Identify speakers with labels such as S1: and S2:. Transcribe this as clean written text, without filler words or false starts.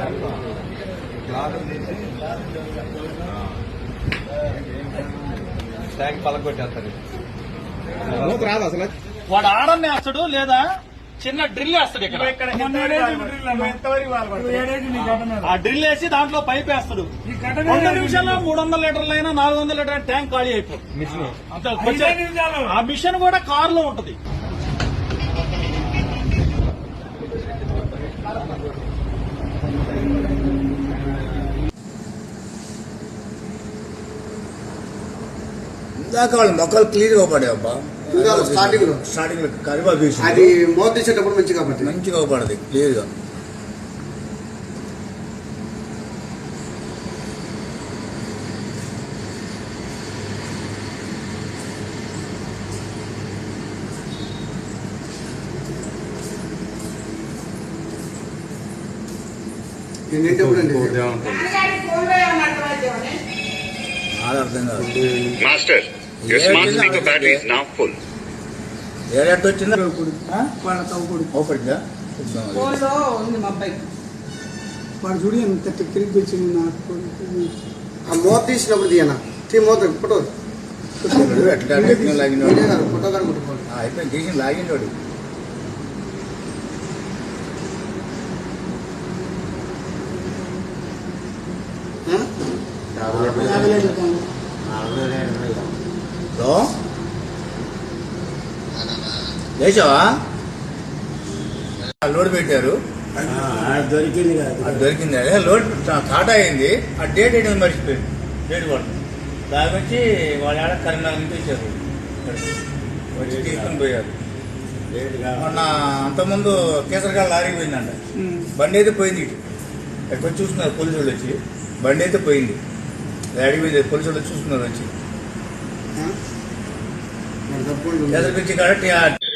S1: Tank పలకొట్టేస్తారు.
S2: రాదు అసలు.
S3: వాడు ఆడని వేస్తాడు లేదా చిన్న డ్రిల్ వేస్తాడు. ఇక్కడ ఆ డ్రిల్ వేసి దాంట్లో పైప్ వేస్తాడు. 100 నిమిషాల్లో 300 లీటర్లైనా 400 లీటర్ల ట్యాంక్ ఖాళీ అయిపోతుంది. ఆ మిషన్ కూడా కారులో ఉంటది.
S4: ఇందాక వాళ్ళు మొక్కలు క్లియర్ గా పడేవబ్బా.
S2: స్టార్టింగ్ లో
S4: కరివేపాకు వేసి
S2: అది మోత తీసేటప్పుడు మంచిగా
S4: పడదు క్లియర్ గా. అర్థం కాదు.
S5: Master, your smart speaker battery is now full.
S4: ఏడాది వచ్చిందా
S6: ఉంది మా అబ్బాయి.
S7: వాడు చూడు ఎంత తిరిగి వచ్చింది నాకు.
S2: ఆ మోత తీసినప్పుడు తీయనా మోత ఫోటో ఫోటో కానీ కొట్టుకోండి.
S4: అయిపోయింది తీసి లాగిండోడు. లేచావా? లోడ్ పెట్టారు, దొరికింది. లోడ్ టాటా అయింది. ఆ డేట్ ఏంటి మర్చిపోయింది. డేట్ పడుతుంది. దాని వచ్చి వాళ్ళ ఆడ కరీంనగర్ నుంచి వచ్చారు, వచ్చి తీసుకుని పోయారు. మొన్న అంతకుముందు కేసరకాయ లారీ పోయిందంట. బండి అయితే పోయింది. ఇటు ఎక్కడ చూస్తున్నారు పోలీసు వాళ్ళు వచ్చి. బండి అయితే పోయింది. అడిగి పోయింది. పోలీసు వాళ్ళు చూస్తున్నారు వచ్చి. కేసరి పిచ్చి కాబట్టి